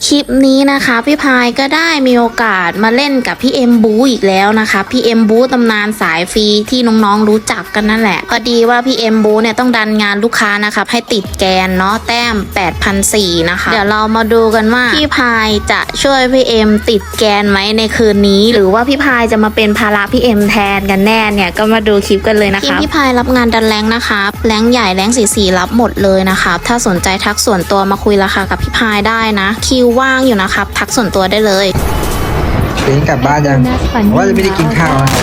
คลิปนี้นะคะพี่พายก็ได้มีโอกาสมาเล่นกับพี่เอ็มบูอีกแล้วนะคะพี่เอ็มบูตำนานสายฟรีที่น้องๆรู้จักกันนั่นแหละพอดีว่าพี่เอ็มบูเนี่ยต้องดันงานลูกค้านะคะให้ติดแกนเนาะแต้ม 8,400 นะคะเดี๋ยวเรามาดูกันว่าพี่พายจะช่วยพี่เอ็มติดแกนไหมในคืนนี้หรือว่าพี่พายจะมาเป็นภาระพี่เอ็มแทนกันแน่เนี่ยก็มาดูคลิปกันเลยนะคะพี่พายรับงานดันแรงนะคะแรงใหญ่แรงสีรับหมดเลยนะคะถ้าสนใจทักส่วนตัวมาคุยราคากับพี่พายได้นะคิวว่างอยู่นะครับทักส่วนตัวได้เลยเป็นกลับบ้านยังว่าจะไม่ได้กินข้าวนะ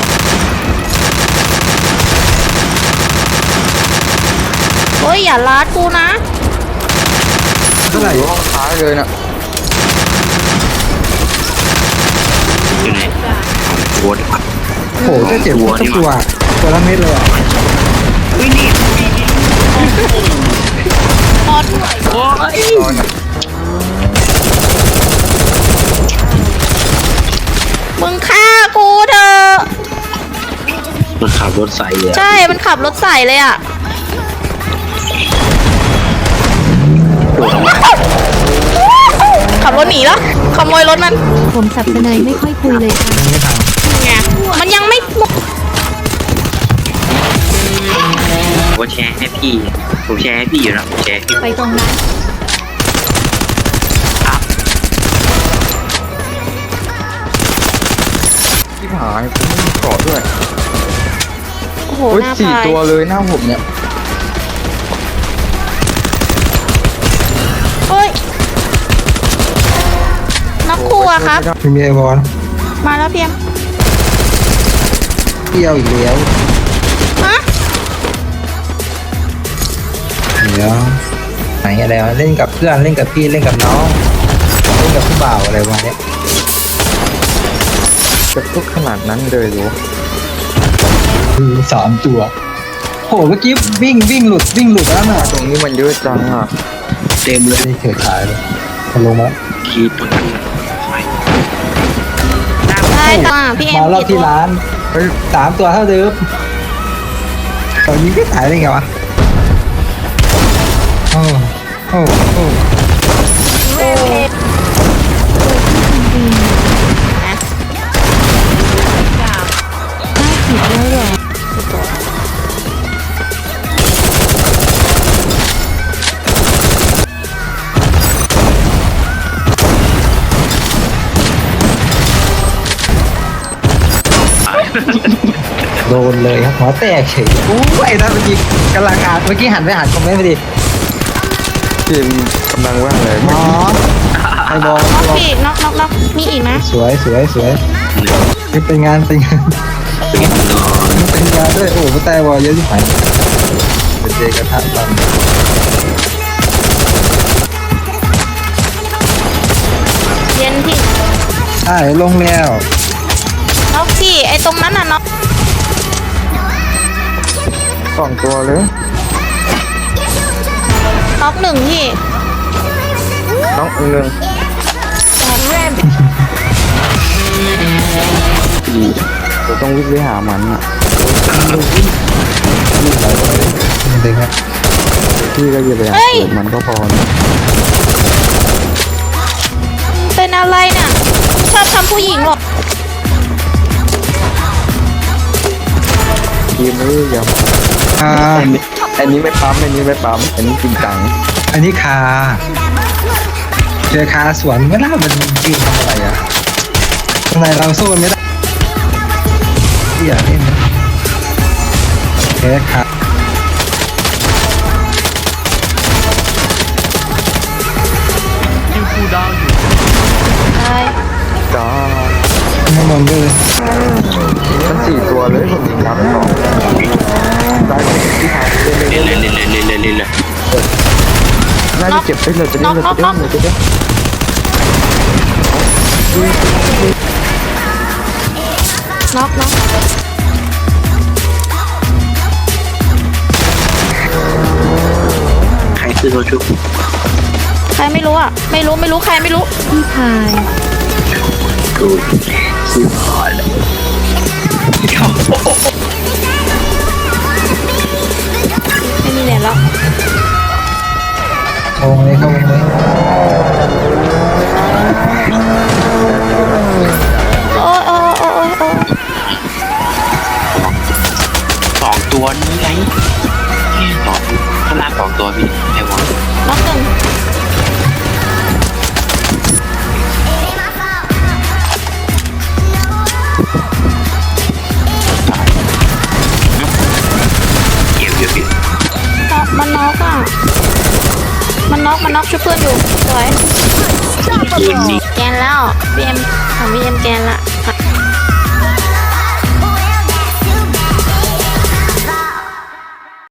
โอ้ยอย่าลาดกูนะเท่าไหร่ห้องท้ายเลยนะอยู่ไหนวัวดีกว่าโหจะเจ็บหัวตัวละเม็ดเลยอ่ะวิ่งนี่นอนโอ้ยมึงฆ่ากูเถอะมันขับรถใส่เลยใช่มันขับรถใส่เลยอ่ะขับรถหนีแล้วขโมยรถมันผมสับสนายไม่ค่อยคุยเลยค่ะไม่ทันไงมันยังไม่ผมแชร์ให้พี่ผมแชร์ให้พี่อยู่นะผมแชร์ให้พี่ไปตรงนั้นที่หายผมไม่มีเกาะด้วยโอ้โหหน้า 4 พายตัวเลยหน้าผมเนี่ยเฮ้ยนักครัวครับมีไอวอนมาแล้วเพียงเที่ยวอีกแล้วฮะเดี๋ยวไหนอะไรวะเล่นกับเพื่อนเล่นกับพี่เล่นกับน้องเล่นกับผู้บ่าวอะไรวะเนี่ยจะทุกขนาดนั้นเลยหรอ3 ตัวโหเมื่อกี้วิ่งหลุดแล้วน่ะตรงนี้มันเยอะจังอ่ะเต็มเลยเฉยขายเลยมันลงมาขีดตัวนั้นได้ค่ะพี่เอ็มมาเราที่ร้าน3 ตัวเท่าเดิมตอนนี้ก็ขายได้ไงวะโอ้โดนเลยครับหัวแตกเฉยอู้ไอ้นั่นเมื่อกี้กำลังอ่านเมื่อกี้หันไปอ่านคอมเมนต์พอดีเกมกำลังว่างเลยอ๋อไอ้บอลน็อกอีกน็อกมีอีกนะสวยเป็นงานด้วยโอ้โหแต่บอลเยอะที่ไหนเป็นเจกระทะตอนเย็นพี่ใช่ลงแล้วน็อกพี่ไอ้ตรงนั้นน่ะน็อก 2 ตัวเลยน็อก1พี่น้อง1เราต้องวิ่งไปหามันอ่ะเด็กครับพี่ก็อย่าไปหามันก็พอเป็นอะไรเนี่ยชอบทำผู้หญิงหรอทีมนี้ยังอันนี้ไม่ปั๊มอันนี้จริงจังอันนี้คาเจอคาสวนไม่ได้มันยืนทำอะไรอ่ะทำไมเราสู้ไม่ได้ที่อยากเล่นนะแค่คายิงคูดาวอยู่จ้าไม่มองเลยมัน4 ตัวเลยผมยิงน้ำ2ได้ที่ทางเล่นน่าจะเจ็บได้เลยจะได้น็อกใครซื้อโซชุบใครไม่รู้อ่ะไม่รู้ใครไม่รู้พี่พายกูซื้อพอแล้วไม่มีเหรียญแล้วเข้าวงเลยน็อกช่วยเพื่อนอยู่สวยปืนนี่แกนแล้วพี่เอ็มของพี่เอ็มแกนละ